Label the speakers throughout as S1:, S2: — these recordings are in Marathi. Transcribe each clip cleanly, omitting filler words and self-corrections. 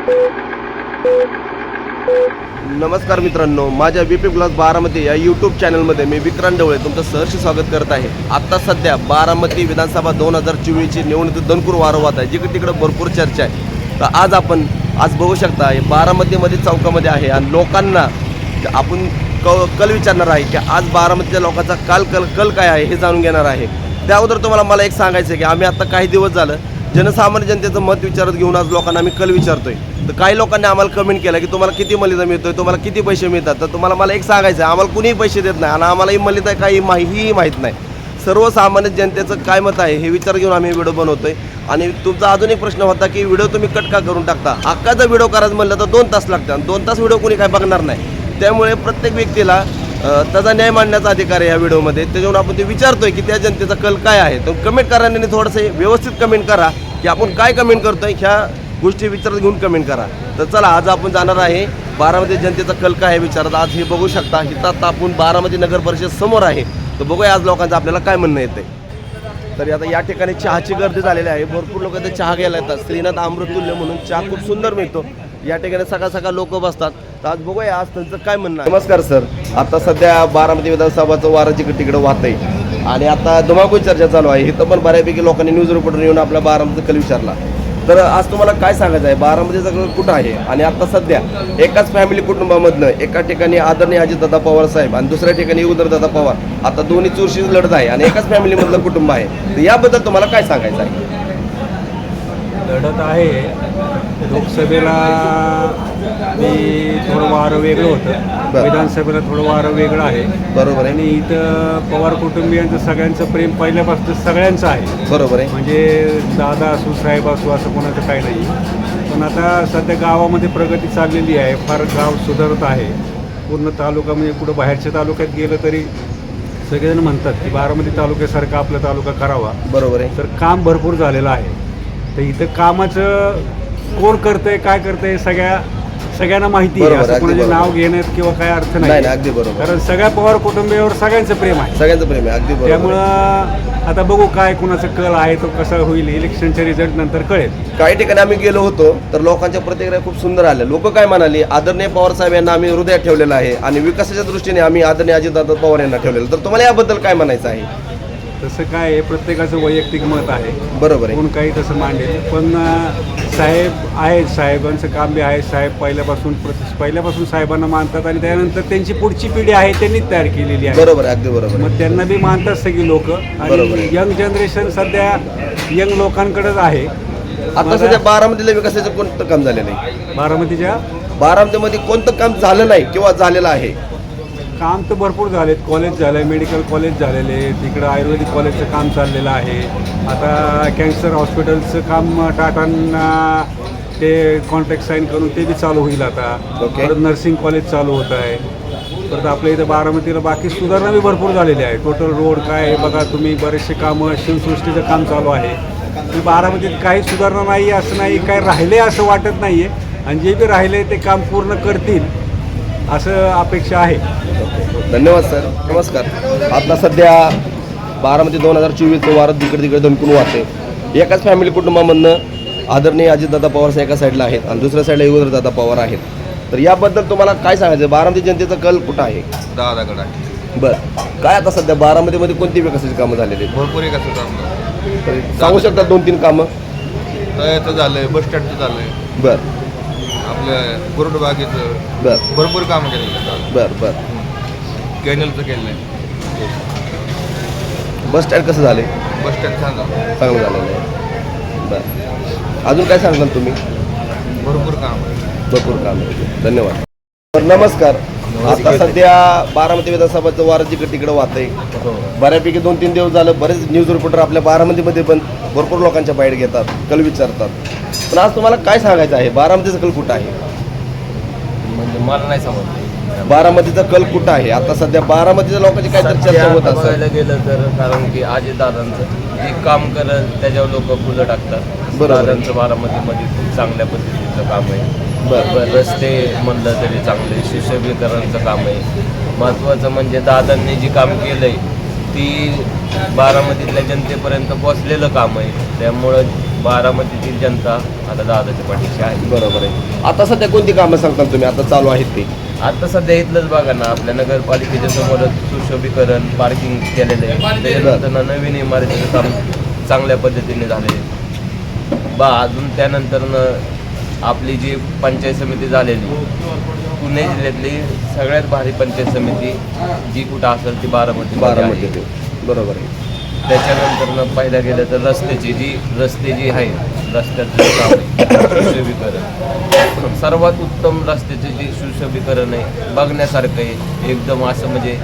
S1: नमस्कार मित्रांनो, माझ्या बीपी ब्लॉग बारामती या यूट्यूब चॅनलमध्ये मी विक्रांत ढवळे तुमचं सहर्ष स्वागत करत आहे। आता सध्या बारामती विधानसभा 2024ची निवडणूक दणकूर वारंवार आहे, जिकडे तिकडे भरपूर चर्चा आहे। तर आज बघू शकता बारामतीमध्ये चौकामध्ये आहे आणि लोकांना आपण कल विचारणार आहे की आज बारामतीच्या लोकांचा कल काय आहे हे जाणून घेणार आहे। त्या अगोदर मला एक सांगायचं आहे की आम्ही आता काही दिवस झालं जनसामान्य जनतेचं मत विचारत घेऊन आज लोकांना आम्ही कल विचारतोय। तर काही लोकांनी आम्हाला कमेंट केला की तुम्हाला किती मलिदा मिळतोय, तुम्हाला किती पैसे मिळतात। तर मला एक सांगायचं आहे, आम्हाला कुणीही पैसे देत नाही आणि आम्हालाही मलिदा काही माहीत नाही। सर्वसामान्य जनतेचं काय मत आहे हे विचार घेऊन आम्ही व्हिडिओ बनवतोय। आणि तुमचा अजून एक प्रश्न होता की व्हिडिओ तुम्ही कट का करून टाकता। अख्खाचा व्हिडिओ करायचं म्हणलं तर 2 तास लागतात आणि 2 तास व्हिडिओ कोणी काय बघणार नाही। त्यामुळे प्रत्येक व्यक्तीला त्याचा न्याय मांडण्याचा अधिकार आहे या व्हिडिओमध्ये। त्याच्यावर आपण ते विचारतोय की त्या जनतेचा कल काय आहे। तर कमेंट करण्याने थोडंसं व्यवस्थित कमेंट करा की आपण काय कमेंट करतोय, ह्या गोष्टी विचारात घेऊन कमेंट करा। तर चला, आज आपण जाणार आहे बारामती जनतेचा कल काय आहे विचारत। आज हे बघू शकता, इथं आता आपण बारामती नगर परिषद समोर आहे। तर बघूया आज लोकांचं आपल्याला काय म्हणणं येतंय। तर आता या ठिकाणी चहाची गर्दी झालेली आहे, भरपूर लोक इथे चहा घ्यायला येतात। श्रीनाथ अमृततुल्य म्हणून चहा खूप सुंदर मिळतो या ठिकाणी, सकाळ लोक बसतात। तर आज बघूया आज त्यांचं काय म्हणणं आहे। नमस्कार सर, आता सध्या बारामती विधानसभाचं वारं तिकडे वाहत आहे आणि आता धुमाकूळ चर्चा चालू आहे। इथं पण बऱ्यापैकी लोकांनी न्यूज रिपोर्टर येऊन आपल्या बारामतीचा कल विचारला। तर आज तुम्हाला काय सांगायचं आहे, बारामतीचा कल कुठं आहे आणि आता सध्या एकाच फॅमिली कुटुंबामधनं एका ठिकाणी आदरणीय अजितदादा पवार साहेब आणि दुसऱ्या ठिकाणी उदयनदादा पवार, आता दोन्ही चुरशीची लढत आहे आणि एकाच फॅमिलीमधलं कुटुंब आहे। तर याबद्दल तुम्हाला काय सांगायचं आहे?
S2: लढत आहे लोकसभेला मी थोडं वारं वेगळं होतं, विधानसभेला थोडं वारं वेगळं आहे। बरोबर आहे। आणि इथं पवार कुटुंबियांचं सगळ्यांचं प्रेम पहिल्यापासून सगळ्यांचं आहे। बरोबर आहे, म्हणजे दादा असू साहेब असू असं कोणाचं काही नाही। पण आता सध्या गावामध्ये प्रगती चाललेली आहे, फार गाव सुधारत आहे। पूर्ण तालुका म्हणजे कुठं बाहेरच्या तालुक्यात गेलं तरी सगळेजण म्हणतात की बारामती तालुक्यासारखा आपला तालुका करावा। बरोबर आहे। तर काम भरपूर झालेलं आहे। तर इथं कामाचं कोण करतंय काय करतंय सगळ्यांना माहिती आहे, असं कोणाचे नाव घेण्यात किंवा काय अर्थ नाही।
S1: अगदी बरोबर,
S2: कारण सगळ्या पवार कुटुंबियावर सगळ्यांचं प्रेम आहे,
S1: अगदी बरोबर।
S2: त्यामुळं आता बघू काय कुणाचा कल आहे तो कसा होईल, इलेक्शनच्या रिझल्ट नंतर कळेल।
S1: काही ठिकाणी आम्ही गेलो होतो तर लोकांच्या प्रतिक्रिया खूप सुंदर आल्या। लोक काय म्हणाले, आदरणीय पवार साहेब यांना आम्ही हृदयात ठेवलेलं आहे आणि विकासाच्या दृष्टीने आम्ही आदरणीय अजितदादा पवार यांना ठेवलेलं। तर तुम्हाला याबद्दल काय म्हणायचं आहे?
S2: तसं काय आहे, प्रत्येकाचं वैयक्तिक मत आहे।
S1: बरोबर आहे,
S2: कोण काही तसं मांडेल, पण साहेब आहेत, साहेबांचं काम बी आहे। साहेब पहिल्यापासून साहेबांना मानतात आणि त्यानंतर त्यांची पुढची पिढी आहे त्यांनी तयार केलेली आहे।
S1: बरोबर, अगदी बरोबर।
S2: मग त्यांना बी मानतात सगळी लोक आणि यंग जनरेशन सध्या यंग लोकांकडेच आहे।
S1: आता सध्या बारामतीला विकासाचं कोणतं काम झालेलं नाही? बारामतीमध्ये कोणतं काम झालं नाही किंवा झालेलं आहे?
S2: काम तर भरपूर झालेत, कॉलेज झालं आहे, मेडिकल कॉलेज झालेले आहे, तिकडं आयुर्वेदिक कॉलेजचं काम चाललेलं आहे। आता कॅन्सर हॉस्पिटलचं काम टाटांना ते कॉन्ट्रॅक्ट साईन करून ते बी चालू होईल आता। परत नर्सिंग कॉलेज चालू होत आहे। परत आपल्या इथं बारामतीला बाकी सुधारणा बी भरपूर झालेली आहे। टोटल रोड काय आहे बघा तुम्ही, बरेचसे कामं, शिवसृष्टीचं काम चालू आहे। बारामतीत काही सुधारणा नाही असं नाही, काय राहिले असं वाटत नाही आहे आणि जे बी राहिले ते काम पूर्ण करतील असं अपेक्षा आहे।
S1: धन्यवाद सर, नमस्कार। आता सध्या बारामती 2024 वारं तिकडे दणकून वाहते। एकाच फॅमिली कुटुंबामधनं आदरणीय अजितदादा पवार एका साईडला आहेत आणि दुसऱ्या साईडला उदयनदादा पवार आहेत। तर याबद्दल तुम्हाला काय सांगायचं? बारामती जनतेचा कल कुठं आहे?
S3: दादाकडे आहे।
S1: बरं, काय आता सध्या बारामतीमध्ये कोणती विकासाची कामं झालेली आहेत?
S3: भरपूर विकासाचं काम
S1: तर सांगू शकता 2-3 कामं?
S3: तळ्याचं झालंय, बस स्टँडचं झालंय,
S1: बरं,
S3: आपलं गुरुडबागेचं
S1: बरं,
S3: भरपूर कामं केलेलं,
S1: बरं,
S3: कॅनलचं केलं आहे।
S1: बस स्टँड कसं झाले?
S3: बस स्टँड छान झालं,
S1: चांगलं झालेलं आहे। बरं, अजून काय सांगाल तुम्ही?
S3: भरपूर काम
S1: आहे। धन्यवाद। तर नमस्कार, आता सध्या बारामती विधानसभाचं वारं तिकडे वाहत आहे। बऱ्यापैकी 2-3 दिवस झालं बरेच न्यूज रिपोर्टर आपल्या बारामतीमध्ये पण भरपूर लोकांच्या बाईट घेतात, कल विचारतात। पण आज तुम्हाला काय सांगायचं आहे, बारामतीचा कल कुठं आहे?
S4: म्हणजे मला नाही समजलं
S1: बारामतीचा कल कुठं आहे? आता सध्या बारामतीच्या लोकांची काय चर्चा होत असेल?
S4: बघायला गेलं तर, कारण की अजितदादांचं जे काम करल त्याच्यावर लोक फुलं टाकतात। दादांचं बारामतीमध्ये चांगल्या पद्धतीचं काम आहे। रस्ते म्हणलं तरी चांगले, सुशोभीकरणाचं काम आहे। महत्त्वाचं म्हणजे दादांनी जे काम केलंय ती बारामतीतल्या जनतेपर्यंत पोचलेलं काम आहे। त्यामुळं बारामतीतील जनता आता दादाच्या पाठीशी आहे.
S1: बरोबर आहे. आता सध्या कोणती कामं सांगता तुम्ही आता चालू आहेत ते?
S4: आता सध्या इथलंच बघा ना, आपल्या नगरपालिकेच्या समोरच सुशोभीकरण पार्किंग केलेलं आहे. त्याच्यानंतर नवीन इमारतीचं काम चांगल्या पद्धतीने झालेलं आहे. अजून त्यानंतर आपली जी पंचायत समिती झालेली पुणे जिल्ह्यातली सगळ्यात भारी पंचायत समिती जी कुठं असेल ती बारामती.
S1: बरोबर आहे.
S4: त्याच्यानंतर पाहिलं गेलं तर रस्ते जी आहे रस्त्याचं जे काम आहे सुशोभीकरण सर्वात उत्तम रस्त्याचे जे सुशोभीकरण आहे बघण्यासारखं आहे. एकदम असं म्हणजे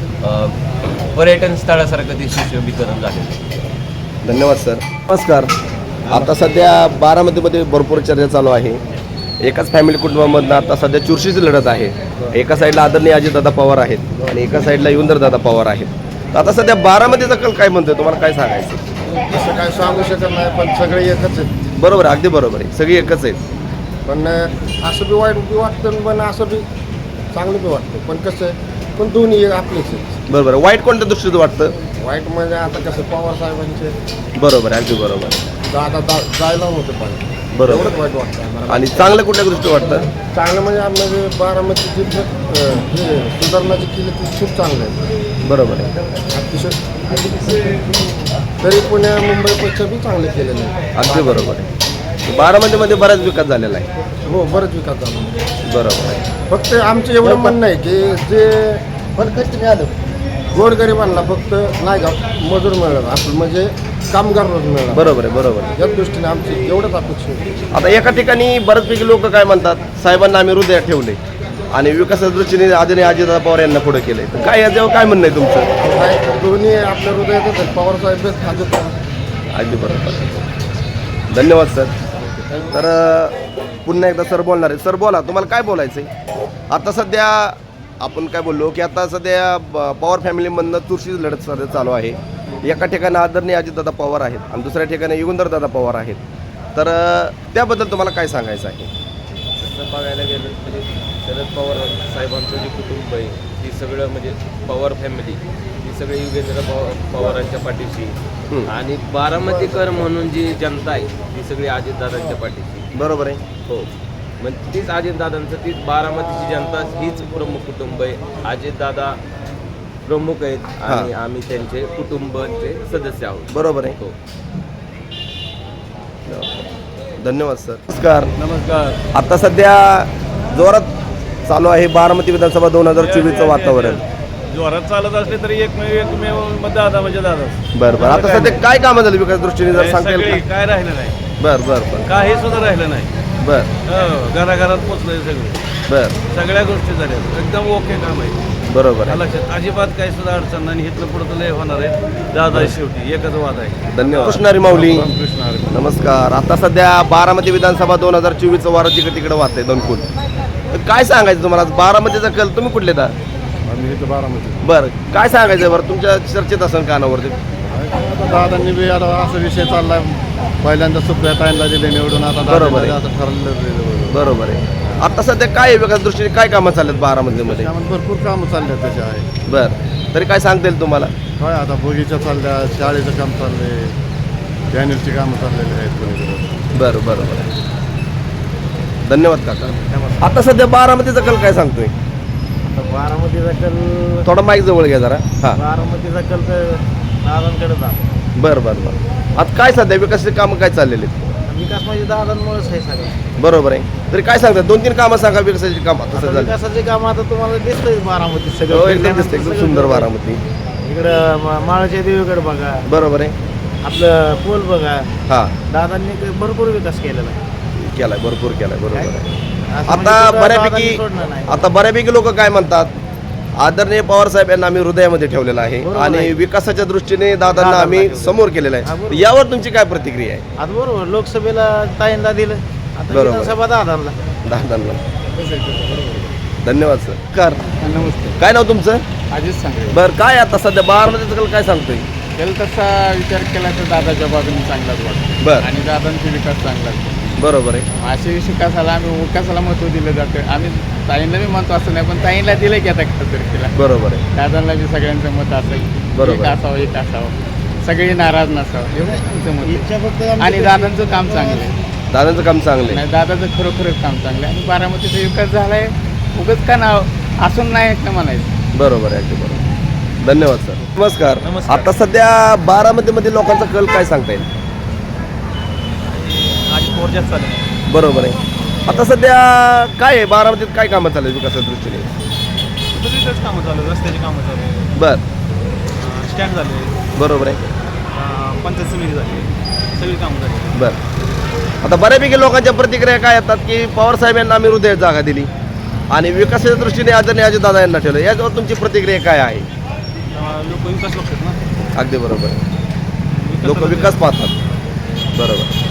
S4: पर्यटन स्थळासारखं ते सुशोभीकरण झालेलं आहे.
S1: धन्यवाद सर. नमस्कार. आता सध्या बारामतीमध्ये भरपूर चर्चा चालू आहे. एकाच फॅमिली कुटुंबामधनं आता सध्या चुरशीची लढत आहे. एका साईडला आदरणीय अजितदादा पवार आहेत आणि एका साईडला युगंधरदादा पवार आहेत. तर आता सध्या बारामतीचा कल काय म्हणतोय, तुम्हाला काय सांगायचं?
S5: असं काय सांगू शकत नाही, पण सगळे एकच आहेत.
S1: बरोबर आहे, अगदी बरोबर आहे. सगळी एकच आहेत.
S5: पण असं बी वाईट बी वाटतं, पण असं बी चांगलं बी वाटतं. पण कसं आहे, पण दोन्ही आपलेच आहेत.
S1: बरोबर आहे. वाईट कोणत्या दृष्टीचं वाटतं?
S5: वाईट म्हणजे आता कसं पवार साहेबांचे
S1: बरोबर आहे, अगदी बरोबर.
S5: जायला होतं पाहिजे,
S1: बरोबर.
S5: एवढंच वाईट वाटतं.
S1: आणि चांगलं कुठल्या दृष्टी वाटतं?
S5: चांगलं म्हणजे आपलं बारामती हे सुधारणा जी केली ती खूप चांगलं आहे.
S1: बरोबर आहे,
S5: अतिशय तरी पुण्या मुंबईपेक्षा बी चांगले केलेलं आहे.
S1: अगदी बरोबर आहे. बारामतीमध्ये बराच विकास झालेला आहे.
S5: हो, बरंच विकास झाला.
S1: बरोबर आहे.
S5: फक्त आमचं एवढं म्हणणं आहे की जे गोरगरिबांना फक्त नाही का मजूर मिळालं आपलं म्हणजे कामगार रोज मिळाला.
S1: बरोबर आहे, बरोबर आहे.
S5: या दृष्टीने आमची एवढंच अपेक्षा होती.
S1: आता एका ठिकाणी बऱ्याचपैकी लोक काय म्हणतात, साहेबांना आम्ही हृदयात ठेवले आणि विकासाच्या दृष्टीने आदरणीय अजितदादा पवार यांना पुढे केले. तर काय याच्यावर काय म्हणणं आहे तुमचं?
S5: काय दोन्ही आपल्या हृदयातच आहेत. पवार साहेब अजित
S1: अगदी बरोबर. धन्यवाद सर. तर पुन्हा एकदा सर बोलणार आहे. सर बोला, तुम्हाला काय बोलायचं आहे? आता सध्या आपण काय बोललो की आता सध्या पवार फॅमिलीमधनं चुरशीची लढत सध्या चालू आहे. एका ठिकाणी आदरणीय अजितदादा पवार आहेत आणि दुसऱ्या ठिकाणी युगंधरदादा पवार आहेत. तर त्याबद्दल तुम्हाला काय सांगायचं आहे?
S4: तसं बघायला गेलं म्हणजे शरद पवार साहेबांचं जे कुटुंब आहे ती सगळं म्हणजे पवार फॅमिली ही सगळी युगेंद्र पवारांच्या पाठीशी आणि बारामतीकर म्हणून जी जनता आहे ती सगळी अजितदादांच्या पाठीशी.
S1: बरोबर आहे.
S4: हो, मग तीच अजितदादांचं तीच बारामतीची जनता हीच प्रमुख कुटुंब आहे. अजितदादा प्रमुख आहेत आणि आम्ही त्यांचे कुटुंबाचे सदस्य आहोत.
S1: बरोबर आहे.
S4: हो.
S1: धन्यवाद सर. नमस्कार.
S2: नमस्कार.
S1: आता सध्या जोरात चालू आहे बारामती विधानसभा 2024चं वातावरण.
S2: जोरात चालत असले तरी एकमेव दादा म्हणजे दादा.
S1: बरं बरं. आता सध्या काय कामं झाली विकास दृष्टीने जर सांगता येईल का?
S2: काय राहिलं नाही,
S1: बरं बरं बरं
S2: काही सुद्धा राहिलं नाही.
S1: बरं
S2: घराघरात पोचलंय सगळे,
S1: बरं.
S2: सगळ्या गोष्टी झाल्या, एकदम ओके काम आहे.
S1: बरोबर आहे.
S2: लक्षात अजिबात काही सुद्धा अडचण नाही. इथलं पुढं लय होणार आहे. दादा शेवटी एकच वाद आहे.
S1: धन्यवाद. कृष्णारी माऊली नमस्कार. आता सध्या बारामती विधानसभा 2024चं वारं जिकडे तिकडे वाहतंय दणकून. तर काय सांगायचं तुम्हाला बारामतीचा कल? तुम्ही कुठले तर?
S5: आम्ही इथं बारामती.
S1: बरं, काय सांगायचं बरं तुमच्या चर्चेत असेल कानावरती?
S5: दादांनी बी आता असा विषय चाललाय, पहिल्यांदा सुप्रिया ताईंना दिले निवडून, आता
S1: बरोबर आहे.
S5: आता ठरलेलं.
S1: बरोबर आहे. आता सध्या काय विकास दृष्टीने काय कामं चाललेत बारामतीमध्ये?
S5: त्यामध्ये भरपूर कामं चालले तसे आहे.
S1: बरं, तरी काय सांगता येईल तुम्हाला?
S5: काय आता बगीचा चालल्या, शाळेचं काम चाललंय, चॅनलची कामं चाललेली आहेत कोणीकडे.
S1: बरं बरं बरं. धन्यवाद काका. आता सध्या बारामतीचा कल काय सांगतोय?
S5: बारामतीचा कल,
S1: थोडा माईक जवळ घ्या जरा. हां,
S5: बारामतीचा कल तर दादांकडे जा.
S1: बरं बरं बरं. आता काय सध्या विकासाची कामं काय चाललेली आहेत?
S5: विकास म्हणजे दादांमुळेच आहे सगळं.
S1: बरोबर आहे. तरी काय सांगतात, 2-3 कामं सांगा विकासाची कामं. तसं झालं
S5: विकासाचे काम आता तुम्हाला दिसतंय बारामती
S1: हो,
S5: सगळं.
S1: एकदम दिसतं, एकदम सुंदर बारामती.
S5: इकडं माळच्या देवीकडे बघा,
S1: बरोबर आहे.
S5: आपलं पूल बघा.
S1: हां,
S5: दादांनी भरपूर विकास केलेला आहे.
S1: केलाय, भरपूर केलाय. बरोबर आहे.
S5: असं म्हणजे
S1: आता
S5: कुठं
S1: बऱ्यापैकी
S5: दादांनी सोडलं नाही.
S1: आता बऱ्यापैकी लोक काय म्हणतात, आदरणीय पवार साहेब यांना आम्ही हृदयामध्ये ठेवलेलं आहे
S5: बरोबर
S1: आणि
S5: आहे.
S1: विकासाच्या दृष्टीने दादांना
S5: दादांना
S1: आम्ही
S5: ठेवलं.
S1: समोर केलेलं
S5: हा,
S1: आहे.
S5: बरोबर.
S1: यावर तुमची काय प्रतिक्रिया आहे?
S5: आता बरोबर लोकसभेला ताईंदा दिलं, आता
S1: बरोबर.
S5: विधानसभा दादांना.
S1: दादांना धन्यवाद सर. कर
S5: नमस्ते.
S1: काय नाव तुमचं?
S5: अजित सांगते.
S1: बरं, काय आता सध्या बारामतीचं कल काय सांगतोय?
S5: त्याला तसा विचार केला तर दादाच्या बाजूने चांगलाच वाटतो
S1: बरं,
S5: आणि दादांचा विकास चांगलाच.
S1: बरोबर आहे.
S5: असे विकासाला आम्ही विकासाला महत्त्व दिलं जातं. आम्ही ताईंना बी म्हणतो असं नाही, पण ताईंना दिलं की आता खासदारकीला
S1: बरोबर आहे.
S5: दादांना बी सगळ्यांचं मत असेल,
S1: बरोबर.
S5: एक असावं एक असावं.
S6: सगळी नाराज नसावं एवढं आमचं मत आहे. आणि दादांचं काम चांगलं आहे.
S1: दादांचं काम चांगलं आहे.
S6: नाही, दादाचं खरोखरच काम चांगलं आहे आणि बारामतीचा विकास झाला आहे. उगाच का नाव असून नाही का म्हणायचं.
S1: बरोबर आहे, अगदी बरोबर. धन्यवाद सर. नमस्कार. आता सध्या बारामतीमध्ये लोकांचा कल काय सांगता येईल? बरोबर आहे. आता सध्या काय आहे बारामतीत, काय कामं चालू आहे विकासाच्या दृष्टीने?
S7: कामं चालू आहे, रस्त्याची कामं चालू आहे,
S1: बर,
S7: स्टँड झाले,
S1: बरोबर आहे.
S7: पंचायत समिती झाली, सगळी कामं झाली.
S1: बर. आता बऱ्यापैकी लोकांच्या प्रतिक्रिया काय येतात की पवार साहेब यांना आम्ही हृदयात जागा दिली आणि विकासाच्या दृष्टीने आदरणीय अजितदादा यांना ठेवलं, याच्यावर तुमची प्रतिक्रिया काय आहे?
S7: लोक विकास बघतात ना.
S1: अगदी बरोबर आहे. लोक विकास पाहतात. बरोबर.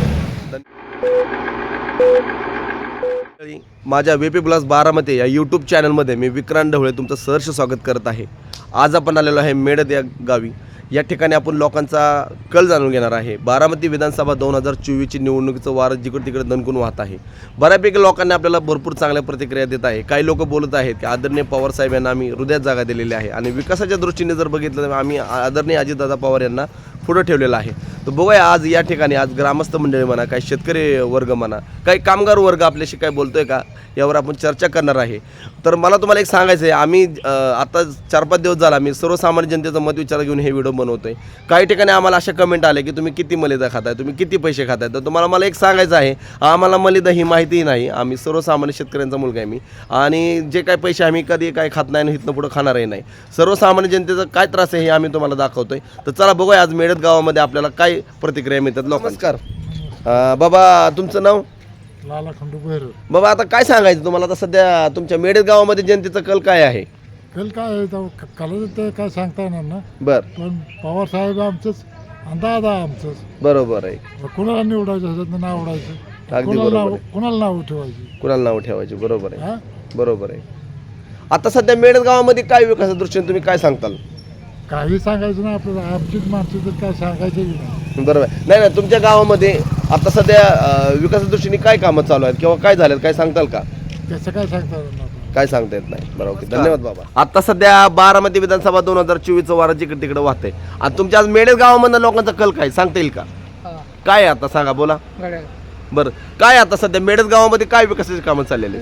S1: माझ्या VP प्लस बारामती या यूट्यूब चॅनलमध्ये मी विक्रांत ढवळे तुमचं सहर्ष स्वागत करत आहे. आज आपण आलेलो आहे मेडद या गावी. या ठिकाणी आपण लोकांचा कल जाणून घेणार आहे. बारामती विधानसभा 2024ची निवडणुकीचं वारं जिकडे तिकडे दणकून वाहत आहे. बऱ्यापैकी लोकांनी आपल्याला भरपूर चांगल्या प्रतिक्रिया देत आहे. काही लोक बोलत आहेत की आदरणीय पवार साहेब यांना आम्ही हृदयात जागा दिलेली आहे आणि विकासाच्या दृष्टीने जर बघितलं तर आम्ही आदरणीय अजितदादा पवार यांना पुढं ठेवलेलं आहे. तर बघूया आज या ठिकाणी आज ग्रामस्थ मंडळी म्हणा, काही शेतकरी वर्ग म्हणा, काही कामगार वर्ग आपल्याशी काय बोलतोय का यावर आपण चर्चा करणार आहे. तर मला तुम्हाला एक सांगायचं आहे, आम्ही आता 4-5 दिवस झाला मी सर्वसामान्य जनतेचं मत विचार घेऊन हे व्हिडिओ बनवतोय. काही ठिकाणी आम्हाला अशा कमेंट आले की तुम्ही किती मलिदा खाताय, तुम्ही किती पैसे खाताय. तर तुम्हाला मला एक सांगायचं आहे, आम्हाला मलिदा ही माहितीही नाही. आम्ही सर्वसामान्य शेतकऱ्यांचा मुलगा आहे मी, आणि जे काही पैसे आम्ही कधी काय खात नाही आणि इथनं पुढं खाणारही नाही. सर्वसामान्य जनतेचा काय त्रास आहे हे आम्ही तुम्हाला दाखवतोय. तर चला बघूया आज मेडद गावामध्ये आपल्याला काय प्रतिक्रिया मिळतात लोकांना. नमस्कार बाबा, तुमचं नाव?
S5: लाला खंडू भैरव.
S1: बाबा आता काय सांगायचं तुम्हाला, आता सध्या तुमच्या मेडद गावामध्ये जनतेचा कल काय आहे?
S5: कल काय आहे कलाचं ते काय सांगता येणार ना.
S1: बर,
S5: पण पवार साहेब आमचंच अंदाज आहे आमचंच.
S1: बरोबर आहे.
S5: कुणाला निवडायचं ह्याच्यात नाव आवडायचं,
S1: अगदी बरोबर आहे.
S5: कुणाला नाव ठेवायची.
S1: कुणाला नाव ठेवायचे, बरोबर आहे.
S5: हा
S1: बरोबर आहे. आता सध्या मेडद गावामध्ये काय विकासाच्या दृष्टीने तुम्ही काय सांगताल?
S5: काही सांगायचं ना आपल्याला, आमचीच माणसं तर काय सांगायचं नाही.
S1: बरोबर आहे. नाही नाही, तुमच्या गावामध्ये आता सध्या विकासाच्या दृष्टीने काय कामं चालू आहेत किंवा काय झालेत, काय सांगताल का?
S5: त्याचं काय सांगता येणार नाही.
S1: काय सांगता येत नाही. बरोबर. धन्यवाद बाबा. आता सध्या बारामती विधानसभा 2024चं वारं जिकडे तिकडे वाहतंय आणि तुमच्या आज मेडद गावामधल्या लोकांचा कल काय सांगता येईल का? काय आहे आता सांगा, बोला. बरं, काय आता सध्या मेडद गावामध्ये काय विकासाची कामं चाललेली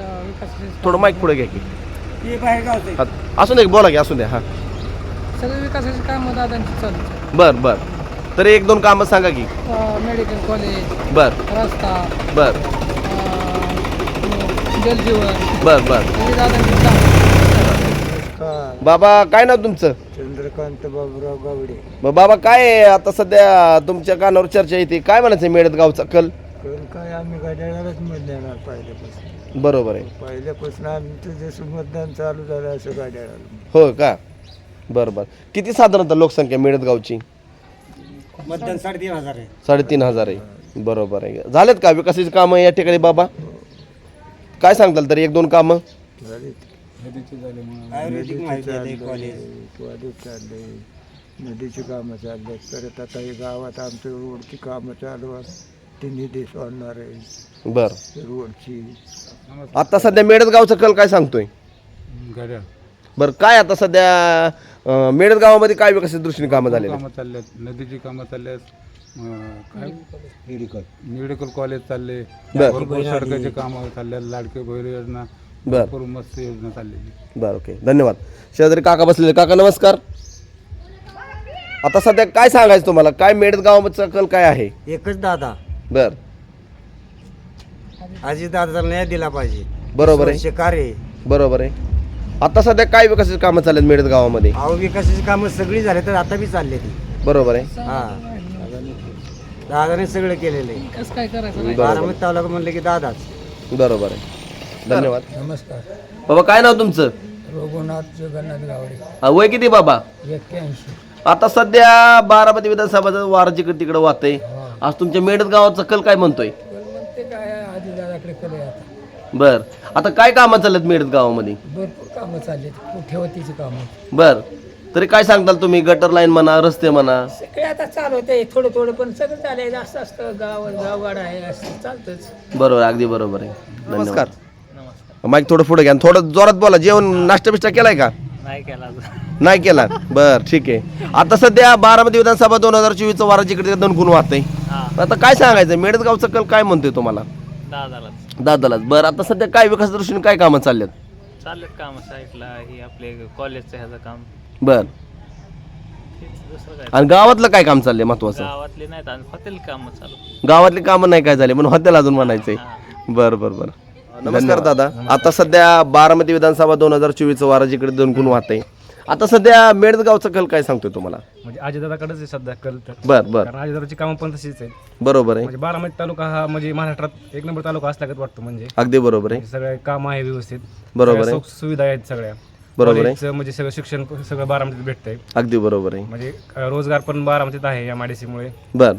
S1: आहेत? थोडं माईक पुढे घ्या की. हा, असू दे, बोला की, असू द्या. हां,
S8: सगळे विकासाची कामं दादांची चालू आहेत.
S1: बर बर. तर 1-2 कामं सांगा की.
S8: मेडिकल कॉलेज,
S1: बर
S8: रस्ता,
S1: बर
S8: जलजीवन,
S1: बर बर.
S8: हे दादांची कामं.
S1: बाबा काय नाव तुमचं?
S5: चंद्रकांत बाबूराव गावडे.
S1: मग बाबा काय आहे आता सध्या तुमच्या कानावर चर्चा येते, काय म्हणायचं मेडद गावचा कल?
S5: काय आम्ही गाड्यालाच मत देणार पहिल्यापासून.
S1: बरोबर आहे.
S5: पहिल्यापासून आमचं जसं मतदान चालू झालं असं गाड्याला.
S1: हो का? बरं बरं. किती साधारणतः लोकसंख्या मेडद गावची?
S5: मतदान 3,500 आहे.
S1: 3,500 आहे. बरोबर आहे. झालेत का विकासाची कामं या ठिकाणी बाबा? काय सांगताल तरी 1-2 कामं?
S5: आयुर्वेदिक माहिती आहे, कॉलेज चाललंय, नदीची कामं चालले. परत आता हे गावात आमच्या रोडची कामं चालू आहेत, ती निधी सोडणार आहे
S1: बरं.
S5: रोडची.
S1: आता सध्या मेडद गावचा कल काय सांगतोय? बरं, काय आता सध्या मेडद गावामध्ये काय विकासाच्या दृष्टीने कामं झालेली?
S2: कामं चालल्यात, नदीची कामं चालल्यात, काय मेडिकल कॉलेज चालले, भरपूर सडकाचे कामं चालल्यात, लाडके बहीण योजना, भरपूर मस्त योजना चाललेली.
S1: बरं, ओके, धन्यवाद. शेजारी काका बसलेले. काका नमस्कार. आता सध्या काय सांगायचं तुम्हाला, काय मेडद गावाचा कल काय आहे?
S9: एकच दादा,
S1: बर,
S9: आजी दादाला न्याय दिला पाहिजे.
S1: बरोबर आहे.
S9: कार्य
S1: बरोबर आहे. आता सध्या काय विकासाची कामं चाललेत मेडद गावामध्ये?
S9: अहो विकासाची कामं सगळी झाली तर आता बी चालले ती.
S1: बरोबर आहे.
S9: हा, दादाने सगळं केलेलं आहे.
S8: कसं काय करायचं?
S1: बरोबर.
S9: बारामती तालुका म्हणलं की दादाच.
S1: बरोबर आहे. धन्यवाद.
S5: नमस्कार.
S1: बाबा काय नाव तुमचं?
S5: रघुनाथ जगन्नाथ गावडे.
S1: वय किती बाबा?
S5: 81.
S1: आता सध्या बारामती विधानसभाचं वार जिकडे तिकडे वाहतंय. आज तुमच्या मेडद गावाचा कल काय म्हणतोय?
S5: ते काय आधी दादाकडे केलं आता.
S1: बर, आता काय कामं चाललेत मेडद गावामध्ये?
S5: भरपूर कामं चालली, ठेवतीची कामं.
S1: बर, तरी काय सांगताल तुम्ही? गटर लाईन म्हणा, रस्ते म्हणा.
S8: सगळे आता चालू होते थोडं थोडं, पण सगळं चाललंय. जास्त असतं गावगाड आहे, असं चालतंच.
S1: बरोबर, अगदी बरोबर आहे. नमस्कार. माईक थोडं पुढे घ्या, थोडं जोरात बोला. जेवण नाश्ता बिष्टा केलाय का?
S6: नाही केला
S1: नाही केला बर ठीक आहे. आता सध्या बारामती विधानसभा 2024 वारा जिकडे दणकून वाहतंय. आता काय सांगायचं मेडदगावचा कल काय म्हणतोय तुम्हाला? दादालाच. बरं आता सध्या काय विकास दृष्टीने काय कामं चाललेत?
S6: काम साईडला हे आपले कॉलेजचं ह्याचं काम
S1: बर
S6: दुसरं काय
S1: आणि गावातलं काय काम चाललंय महत्वाचं?
S6: गावातले नाहीत आणि हॉटेल काम चालू
S1: गावातली कामं नाही काय झाले म्हणून हॉटेल अजून म्हणायचंय. बरं. नमस्कार दादा. आता सध्या बारामती विधानसभा 2024 वारा जिकडे दणकून वाहतंय. आता सध्या मेडदगावचा कल काय सांगतोय तुम्हाला?
S2: म्हणजे अजितदादाकडेच आहे सध्या कल तर.
S1: बर
S2: कारण अजितदादाची कामं पण तशीच आहेत.
S1: बरोबर आहे.
S2: म्हणजे बारामती तालुका हा म्हणजे महाराष्ट्रात एक नंबर तालुका असल्यागत वाटतो. म्हणजे
S1: अगदी बरोबर आहे.
S2: सगळे काम आहे व्यवस्थित.
S1: बरोबर आहे.
S2: सगळ्या सुविधा आहेत सगळ्या.
S1: बरोबर आहे.
S2: कॉलेजचं म्हणजे सगळं शिक्षण सगळं बारामतीत भेटतंय.
S1: अगदी बरोबर आहे.
S2: म्हणजे रोजगार पण बारामतीत आहे या MIDC मुळे.
S1: बर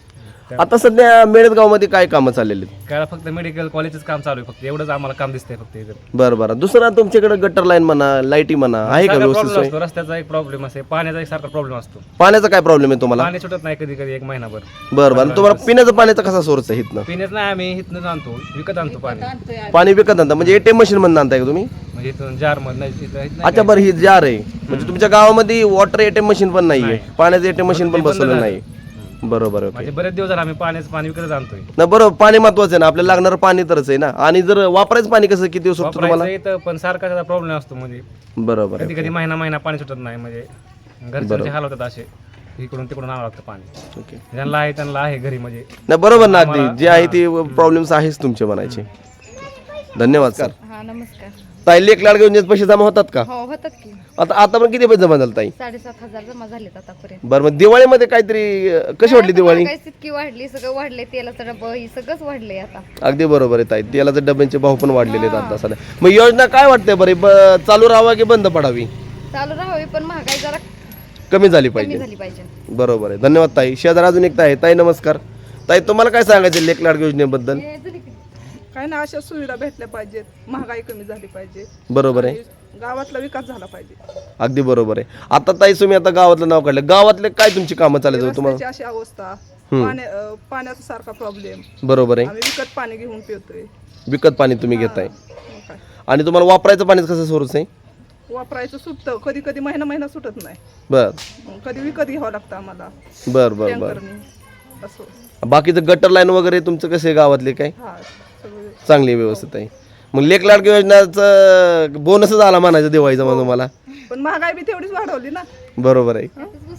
S1: आता सध्या मेडदगाव मध्ये काय कामं चाललेली?
S2: काय फक्त मेडिकल कॉलेजच काम चालू आहे. फक्त एवढंच आम्हाला काम दिसतंय फक्त इथं.
S1: बरं दुसरा तुमच्याकडे गटर लाईन म्हणा लाईटी म्हणा आहे का
S2: सगळा
S1: व्यवस्थित
S2: प्रॉब्लेम
S1: सोय?
S2: असतो. रस्त्याचा एक प्रॉब्लेम असते. पाण्याचा एक सारखा प्रॉब्लेम असतो.
S1: पाण्याचा काय प्रॉब्लेम आहे तुम्हाला?
S2: पाणी सुटत नाही कधी कधी एक महिनाभर.
S1: बरं तुम्हाला पिण्याचं पाण्याचा कसा सोर्स आहे इथनं?
S2: पिण्याच नाही आम्ही इथनंच आणतो. विकत आणतो पाणी.
S1: पाणी विकत आणता म्हणजे ATM मशीन मधून आणताय का तुम्ही?
S2: म्हणजे इथून जार मध्ये
S1: अच्छा बरं ही जार आहे म्हणजे तुमच्या गावामध्ये वॉटर ATM मशीन पण नाहीये, पाण्याचं ATM मशीन पण बसवलं नाही. बरोबर आहे.
S2: म्हणजे बरेच दिवस झाले आम्ही पाण्याचं पाणी विकत आणतोय.
S1: ना बरोबर पाणी महत्वाचं आहे ना आपल्याला लागणारं पाणी तरच आहे ना. आणि जर वापरायचं पाणी कसं किती दिवस सुटतं तुम्हाला?
S2: वापरायचं इथं पण सारखा त्याचा प्रॉब्लेम असतो. म्हणजे
S1: बरोबर
S2: कधी
S1: आहे.
S2: कधी महिना पाणी सुटत नाही. म्हणजे घरच्यांचे हाल होतात असे. इकडून तिकडून आणावं लागतं पाणी.
S1: ओके
S2: त्यांना आहे घरी म्हणजे.
S1: नाही बरोबर ना अगदी जे आहे ते प्रॉब्लेम्स आहेच तुमचे म्हणायचे. धन्यवाद सर.
S10: हा नमस्कार.
S1: ताई लेख लाडके योजनेचे पैसे जमा होतात का?
S10: हो होतात की.
S1: आता पण किती पैसे जमा झाले ताई?
S10: 7,500 जमा झालेत आतापर्यंत.
S1: बरं मग दिवाळीमध्ये काहीतरी कशी वाटली दिवाळी?
S10: काय इतकी वाढली सगळं वाढले तेलाचं डब्बा ही सगळंच वाढलंय आता.
S1: अगदी बरोबर आहे ताई तेलाचे डब्यांचे भाव पण वाढलेले आहेत आता सध्या. मग योजना काय वाटते बरं चालू राहावा की बंद पडावी?
S10: चालू राहावी पण महागाई जरा
S1: कमी झाली
S10: कमी
S1: पाहिजे.
S10: झाली पाहिजे.
S1: बरोबर आहे. धन्यवाद ताई. शेजार अजून एक ताई. ताई नमस्कार. ताई तुम्हाला काय सांगायचं लेख लाडके योजनेबद्दल?
S11: काय ना अशा सुविधा भेटल्या पाहिजेत. महागाई कमी झाली पाहिजे.
S1: बरोबर आहे.
S11: गावातला विकास झाला पाहिजे.
S1: अगदी बरोबर आहे. आता ताई तुम्ही आता गावातलं नाव काढलं गावातले काय तुमची कामं चालायचं तुम्हाला?
S11: रस्त्याची अशी अवस्था पाण्याचा सारखा प्रॉब्लेम.
S1: बरोबर आहे.
S11: आम्ही विकत पाणी घेऊन पितोय.
S1: विकत पाणी तुम्ही घेताय
S11: मग काय
S1: आणि तुम्हाला वापरायचं पाणी कसं सोर्स आहे?
S11: वापरायचं सुटतं कधी कधी महिना सुटत नाही.
S1: बर
S11: मग कधी विकत घ्यावं लागतं आम्हाला
S1: बर
S11: टँकरनी असं.
S1: बाकीचं गटर लाईन वगैरे तुमचं कसे गावातले काय
S11: हा सगळं
S1: चांगली व्यवस्थित आहे? मग लेख लाडकी योजनाचं बोनसच आला म्हणायचं दिवाळीचा मग तुम्हाला?
S11: पण महागाई बी तेवढीच वाढवली ना.
S1: बरोबर आहे.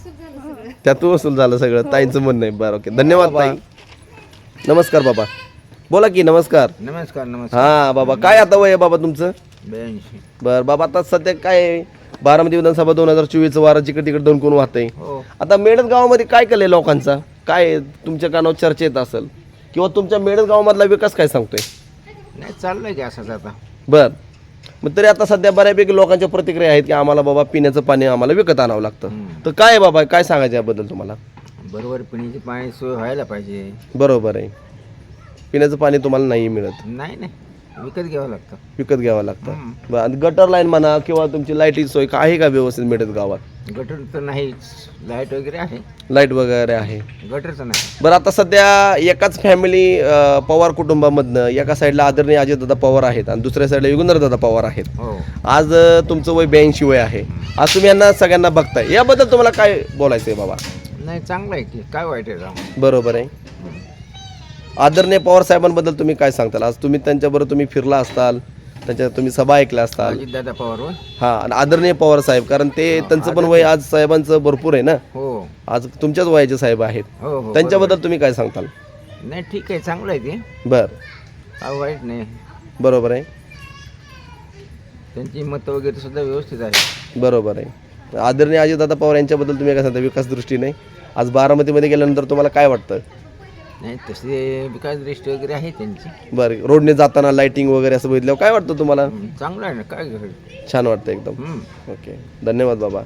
S1: त्यात वसूल झालं सगळं ताईंचं म्हणणं आहे. बरं ओके धन्यवाद ताई. नमस्कार बाबा. बोला की. नमस्कार. हा बाबा काय आता वय आहे बाबा तुमचं?
S9: 82.
S1: बरं बाबा आता सध्या काय आहे? बारामती विधानसभा 2024 वारा जिकडे तिकडे दणकून वाहतंय. आता मेडद गावामध्ये काय केलंय लोकांचा काय तुमच्या कानावर चर्चा येत असेल किंवा तुमच्या मेडद गावामधला विकास काय सांगतोय?
S9: नाही चाललंय की असंच आता.
S1: बर मग तरी आता सध्या बऱ्यापैकी लोकांच्या प्रतिक्रिया आहेत की आम्हाला बाबा पिण्याचं पाणी आम्हाला विकत आणावं लागतं. तर काय आहे बाबा काय सांगायचं याबद्दल तुम्हाला?
S9: बरोबर पिण्याची पाणी सोय व्हायला पाहिजे.
S1: बरोबर आहे. पिण्याचं पाणी तुम्हाला नाही मिळत?
S9: नाही विकत घ्यावं लागतं.
S1: विकत घ्यावं लागतं. बरं आणि गटर लाईन म्हणा किंवा तुमची लाईटीची सोय आहे का व्यवस्थित मिळत गावात?
S9: गटर तर नाही. लाईट वगैरे आहे.
S1: लाईट वगैरे आहे.
S9: गटरचं नाही.
S1: बरं आता सध्या एकाच फॅमिली पवार कुटुंबामधनं एका साईडला आदरणीय अजितदादा पवार आहेत आणि दुसऱ्या साईडला युगंधरदादा पवार आहेत. आज तुमचं वय 82 वय आहे. आज तुम्ही यांना सगळ्यांना बघताय याबद्दल तुम्हाला काय बोलायचं आहे बाबा?
S9: नाही चांगलं आहे की काय वाईट आहे.
S1: बरोबर आहे. आदरणीय पवार साहेबांबद्दल तुम्ही काय सांगताल? आज तुम्ही त्यांच्याबरोबर तुम्ही फिरला असताल त्यांच्या तुम्ही सभा ऐकल्या असताल.
S9: अजितदादा पवार.
S1: हा आणि आदरणीय पवार साहेब कारण ते त्यांचं पण वय आज साहेबांचं भरपूर आहे ना.
S9: हो
S1: आज तुमच्याच वयाचे साहेब आहेत.
S9: हो
S1: त्यांच्याबद्दल तुम्ही काय सांगताल?
S9: नाही ठीक आहे चांगलं आहे ते.
S1: बर
S9: काय वाईट नाही.
S1: बरोबर आहे.
S9: त्यांची मतं वगैरे सुद्धा व्यवस्थित आहे.
S1: बरोबर आहे. आदरणीय अजितदादा पवार यांच्याबद्दल तुम्ही काय सांगता विकास दृष्टीने? आज बारामतीमध्ये गेल्यानंतर तुम्हाला काय वाटतं?
S9: नाही तसे विकास दृष्टी वगैरे आहे त्यांची.
S1: बरं रोडने जाताना लाईटिंग वगैरे असं बघितल्यावर काय वाटतं तुम्हाला?
S9: चांगलं आहे ना काय
S1: छान वाटतं एकदम. ओके धन्यवाद बाबा.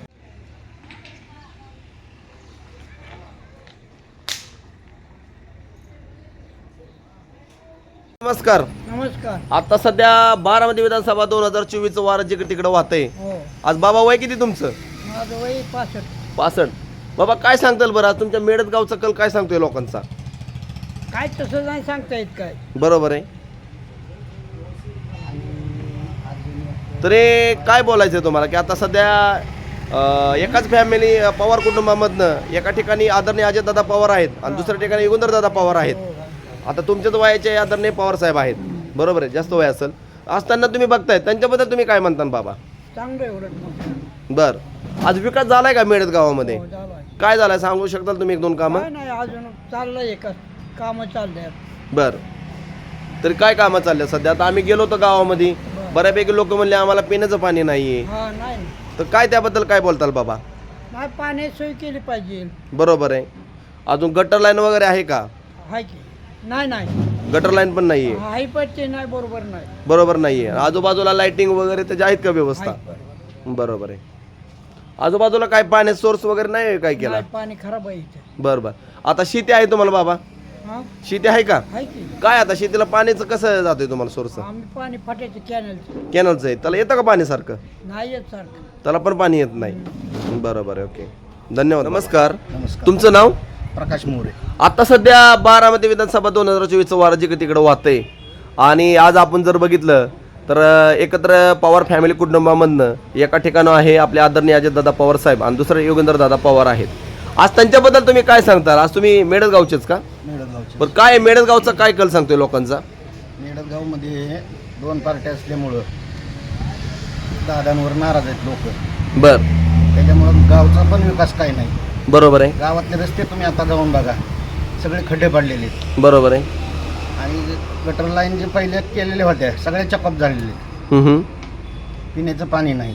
S1: नमस्कार. आता सध्या बारामती विधानसभा 2024 वार जिकडे तिकडे वाहतंय. आज बाबा वय किती तुमचं?
S8: माझं वय
S1: 65. बाबा काय सांगताल बरं आज तुमच्या मेडद गावचा कल काय सांगतोय लोकांचा?
S8: काय तसं नाही सांगता येत काय.
S1: बरोबर आहे. तरी काय बोलायचं आहे तुम्हाला की आता सध्या एकाच फॅमिली पवार कुटुंबामधनं एका ठिकाणी आदरणीय अजयदादा पवार आहेत आणि दुसऱ्या ठिकाणी युगंधरदादा पवार आहेत. आता तुमच्याच वयाचे आदरणीय पवार साहेब आहेत, बरोबर आहे, जास्त वय असेल असताना तुम्ही बघताय त्यांच्याबद्दल तुम्ही काय म्हणता बाबा?
S8: चांगलं एवढं
S1: बर, आज विकास झालाय का मेळत गावामध्ये? काय झालाय सांगू शकताल तुम्ही 1-2 कामं?
S8: नाही अजून चाललंय एक कामं चाललंय.
S1: बर, तरी काय कामं चालल्या सध्या? आता आम्ही गेलो होतो गावामध्ये, बऱ्यापैकी लोक म्हणले आम्हाला पिण्याचं पाणी नाहीये,
S8: हा नाही
S1: तर काय त्याबद्दल काय बोलताल बाबा?
S8: नाही पाण्याची सोय केली पाहिजे.
S1: बरोबर आहे. अजून गटर लाईन वगैरे आहे का?
S8: हाय की नाही
S1: गटर लाईन पण नाहीये,
S8: हाय पण ते नाही बरोबर नाही.
S1: बरोबर नाहीये. आजूबाजूला लाइटिंग वगैरे त्याच्या आहेत का व्यवस्था? बरोबर आहे. आजूबाजूला काय पाण्याचा सोर्स वगैरे नाही काय केला?
S8: पाणी खराब आहे इथे.
S1: बरं बरं. आता शेती आहे तुम्हाला बाबा?
S8: हा
S1: शेती आहे का?
S8: हाय की
S1: काय आता शेतीला पाण्याचं कसं जातंय तुम्हाला सोर्स?
S8: आम्ही पाणी फाटायचं कॅनलचं
S1: कॅनलचं आहे, त्याला येतं का पाणी सारखं?
S8: नाही येत सारखं.
S1: त्याला पण पाणी येत नाही. बरोबर आहे, ओके, धन्यवाद. नमस्कार, तुमचं नाव?
S5: प्रकाश मोरे.
S1: आता सध्या बारामती विधानसभा 2024चं वारं जिकडे तिकडे वाहतंय आणि आज आपण जर बघितलं तर एकत्र पवार फॅमिली कुटुंबामधनं एका ठिकाणं आहे आपले आदरणीय अजयदादा पवार साहेब आणि दुसरे युगेंद्रदादा पवार आहेत. आज त्यांच्याबद्दल तुम्ही काय सांगता? आज तुम्ही मेळतगावचेच का?
S5: मेळतगावचे.
S1: बरं, काय मेळतगावचा काय कल सांगतोय लोकांचा?
S5: मेळतगावमध्ये 2 पार्ट्या असल्यामुळं दादांवर नाराज आहेत लोक.
S1: बर,
S5: त्याच्यामुळं गावचा पण विकास काही नाही.
S1: बरोबर आहे,
S5: गावातले रस्ते तुम्ही आता जाऊन बघा, सगळे खड्डे पडलेले आहेत.
S1: बरोबर आहे.
S5: आणि गटर लाईन जे पहिले केलेले होत्या सगळे चकअप झालेले आहेत.
S1: हम्म.
S5: पिण्याचं पाणी नाही,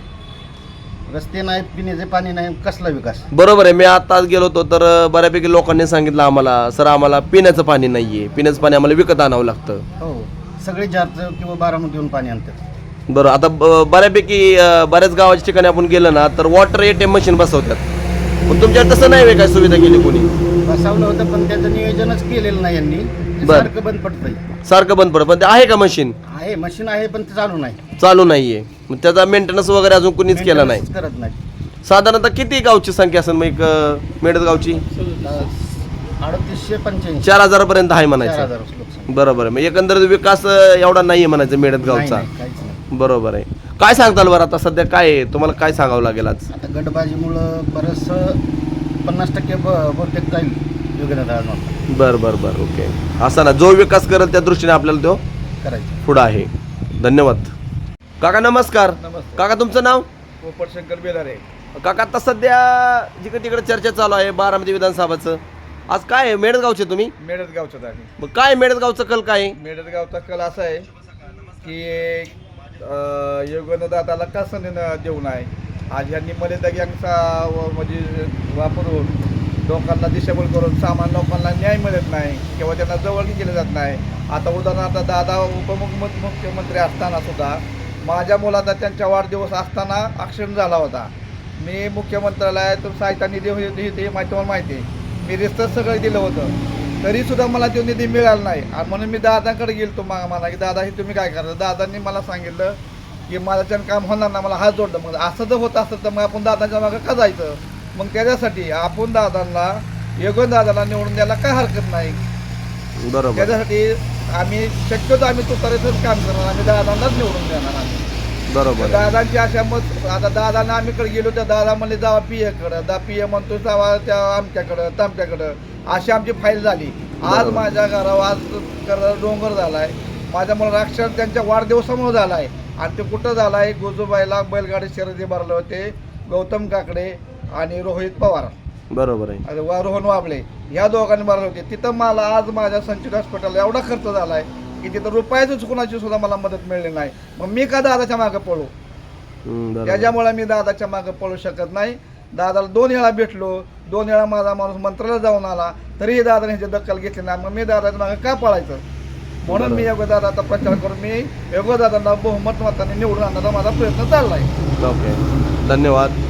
S5: रस्ते नाहीत, पिण्याचे पाणी नाही, कसला विकास?
S1: बरोबर आहे. मी आता गेलो होतो तर बऱ्यापैकी लोकांनी सांगितलं आम्हाला, सर आम्हाला पिण्याचं पाणी नाहीये, पिण्याचं पाणी आम्हाला विकत आणावं लागतं.
S5: हो, सगळे जारचं किंवा बारामतीहून पाणी आणतात.
S1: बरं, आता बऱ्यापैकी बऱ्याच गावाच्या ठिकाणी आपण गेलं ना तर वॉटर ATM मशीन बसवतात, पण तुमच्याकडे तसं नाही काय सुविधा केली कोणी?
S5: बसवलं होतं पण त्याचं नियोजनच केलेलं नाही यांनी. ते
S1: बरं.
S5: सारखं बंद पडतंय.
S1: सारखं बंद पडतं, पण ते आहे का मशीन?
S5: आहे, मशीन आहे पण ते चालू नाही.
S1: चालू नाहीये, मग त्याचा मेंटेनन्स वगैरे अजून कोणीच केला नाही.
S5: Maintenance करत नाही.
S1: साधारणतः किती गावची संख्या असेल मग मेळत गावची?
S5: 3885
S1: 4,000 पर्यंत आहे म्हणायचं.
S5: 4,000 लोकसंख्या.
S1: बरोबर आहे. मग एकंदरीत विकास एवढा नाहीये म्हणायचं मेळत गावचा.
S5: नाही, काहीच नाही.
S1: बरोबर आहे. काय सांगताल बरं आता सध्या काय आहे? तुम्हाला काय सांगावं लागेल आज?
S5: आता गटबाजीमुळं बरंचसं 50% बहुतेक जाईल योगेंद्रदादा
S1: बरं बरं बरं, ओके. असा ना जो विकास करेल त्या दृष्टीने आपल्याला तो
S5: करायचं.
S1: पुढं आहे. धन्यवाद. काका नमस्कार. काका तुमचं नाव?
S3: पोपट शंकर बेलारे.
S1: काका आता सध्या जिकडे तिकडे चर्चा चालू आहे बारामती विधानसभाचं, आज काय आहे? मेळतगावचे तुम्ही?
S3: मेळतगावचाच आहे.
S1: मग काय मेळतगावचं कल काय आहे?
S3: मेळतगावचा कल असा आहे की योगेंद्रदादाला का संधी देऊ नये. आज ह्यांनी मर्यादा गँगचा म्हणजे वापरून लोकांना दिशाभूल करून सामान्य लोकांना न्याय मिळत नाही किंवा त्यांना जवळगी केलं जात नाही. आता उदाहरणार्थ दादा उपमुख्यमंत्री असताना सुद्धा माझ्या मुलाचा त्यांच्या वाढदिवस असताना ॲक्सिडेंट झाला होता. मी मुख्यमंत्र्यालयात सहायता निधी हे तुम्हाला माहिती आहे. मी रिस्टच सगळं दिलं होतं, तरीसुद्धा मला तो निधी मिळाला नाही. आणि म्हणून मी दादाकडे गेलो तो म्हणा की दादा हे तुम्ही काय करता. दादांनी मला सांगितलं की माझ्याच्यानं काम होणार ना, मला हात जोडलं. मग असं जर होत असतं तर मग आपण दादांच्या मागं का जायचं? मग त्याच्यासाठी आपण दादांना योगेंद्रदादाला निवडून द्यायला काय हरकत नाही.
S1: बरोबर.
S3: त्याच्यासाठी आम्ही शक्यतो आम्ही तुतारीचंच काम करणार, आम्ही दादांनाच निवडून देणार. आम्ही
S1: बरोबर.
S3: दादांची अशा मत आता दादांना आम्हीकडे गेलो तर दादा म्हणले जावा PA PA म्हणतो जावा त्या आमच्याकडं तामच्याकडं. अशी आमची फाईल झाली. आज माझ्या घरावर आज डोंगर झालाय. माझ्या मुलाला अक्षर त्यांच्या वाढदिवसामुळे झालाय. आणि ते कुठं झालाय? गोजूबाईला बैलगाडी शर्यती भरले होते, गौतम काकडे आणि रोहित पवार.
S1: बरोबर आहे.
S3: रोहन वाबळे ह्या दोघांनी भरले होते. तिथं मला आज माझ्या संचित हॉस्पिटलला एवढा खर्च झालाय की तिथं रुपयाची चुकण्याची सुद्धा मला मदत मिळली नाही. मग मी का दादाच्या मागं पळू? त्याच्यामुळे मी दादाच्या मागं पळू शकत नाही. दादाला 2 वेळा भेटलो, 2 वेळा माझा माणूस मंत्रालयात जाऊन आला, तरीही दादाने ह्याची दखल घेतली नाही. मग मी दादाच्या मागं का पळायचं? म्हणून मी योगदादाचा प्रचार करून मी योगदादांना बहुमत मताने निवडून आणण्याचा माझा प्रयत्न चाललाय.
S1: ओके, धन्यवाद.